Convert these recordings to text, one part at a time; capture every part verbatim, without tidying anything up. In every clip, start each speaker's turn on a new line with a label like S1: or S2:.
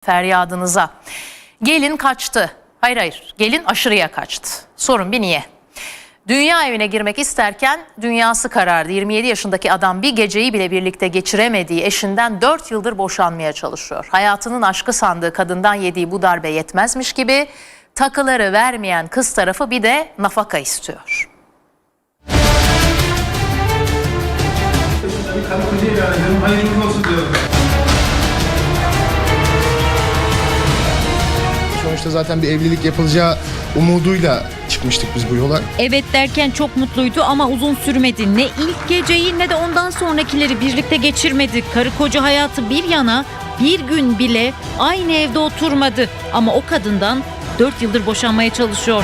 S1: feryadınıza. Gelin kaçtı. Hayır hayır, gelin aşırıya kaçtı. Sorun bir niye? Dünya evine girmek isterken dünyası karardı. yirmi yedi yaşındaki adam bir geceyi bile birlikte geçiremediği eşinden dört yıldır boşanmaya çalışıyor. Hayatının aşkı sandığı kadından yediği bu darbe yetmezmiş gibi takıları vermeyen kız tarafı bir de nafaka istiyor.
S2: Karı koca ilan edelim, hayırlı olsun diyorum.
S3: Sonuçta zaten bir evlilik yapılacağı umuduyla çıkmıştık biz bu yola.
S4: Evet derken çok mutluydu ama uzun sürmedi. Ne ilk geceyi ne de ondan sonrakileri birlikte geçirmedi. Karı koca hayatı bir yana bir gün bile aynı evde oturmadı. Ama o kadından dört yıldır boşanmaya çalışıyor.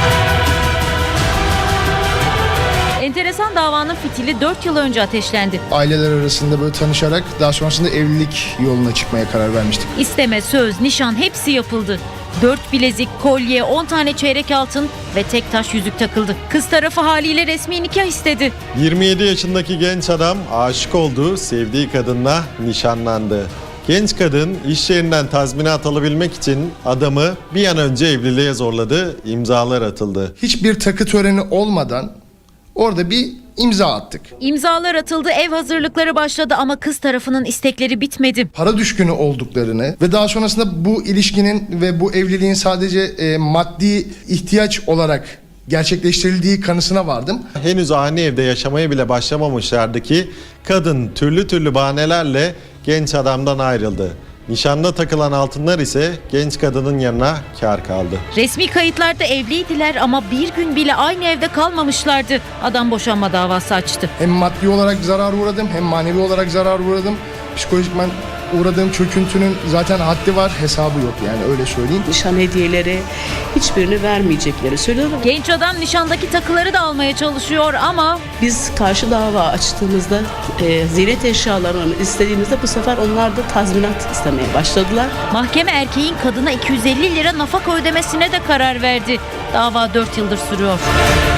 S4: Enteresan davanın fitili dört yıl önce ateşlendi.
S3: Aileler arasında böyle tanışarak daha sonrasında evlilik yoluna çıkmaya karar vermiştik.
S4: İsteme, söz, nişan hepsi yapıldı. Dört bilezik, kolye, on tane çeyrek altın ve tek taş yüzük takıldı. Kız tarafı haliyle resmi nikah istedi.
S5: yirmi yedi yaşındaki genç adam aşık olduğu, sevdiği kadınla nişanlandı. Genç kadın iş yerinden tazminat alabilmek için adamı bir an önce evliliğe zorladı, imzalar atıldı.
S3: Hiçbir takı töreni olmadan orada bir imza attık.
S4: İmzalar atıldı, ev hazırlıkları başladı ama kız tarafının istekleri bitmedi.
S3: Para düşkünü olduklarını ve daha sonrasında bu ilişkinin ve bu evliliğin sadece e, maddi ihtiyaç olarak gerçekleştirildiği kanısına vardım.
S5: Henüz aynı evde yaşamaya bile başlamamışlardı ki kadın türlü türlü bahanelerle genç adamdan ayrıldı. Nişanda takılan altınlar ise genç kadının yanına kâr kaldı.
S4: Resmi kayıtlarda evliydiler ama bir gün bile aynı evde kalmamışlardı. Adam boşanma davası açtı.
S3: Hem maddi olarak zarar uğradım hem manevi olarak zarar uğradım. Psikolojikman uğradığım çöküntünün zaten haddi var, hesabı yok yani öyle söyleyeyim.
S6: Nişan hediyeleri hiçbirini vermeyecekleri söylüyorlar.
S4: Genç adam nişandaki takıları da almaya çalışıyor ama
S6: Biz karşı dava açtığımızda e, ziynet eşyalarını istediğimizde bu sefer onlar da tazminat istemeye başladılar.
S4: mahkeme erkeğin kadına iki yüz elli lira nafaka ödemesine de karar verdi. Dava dört yıldır sürüyor.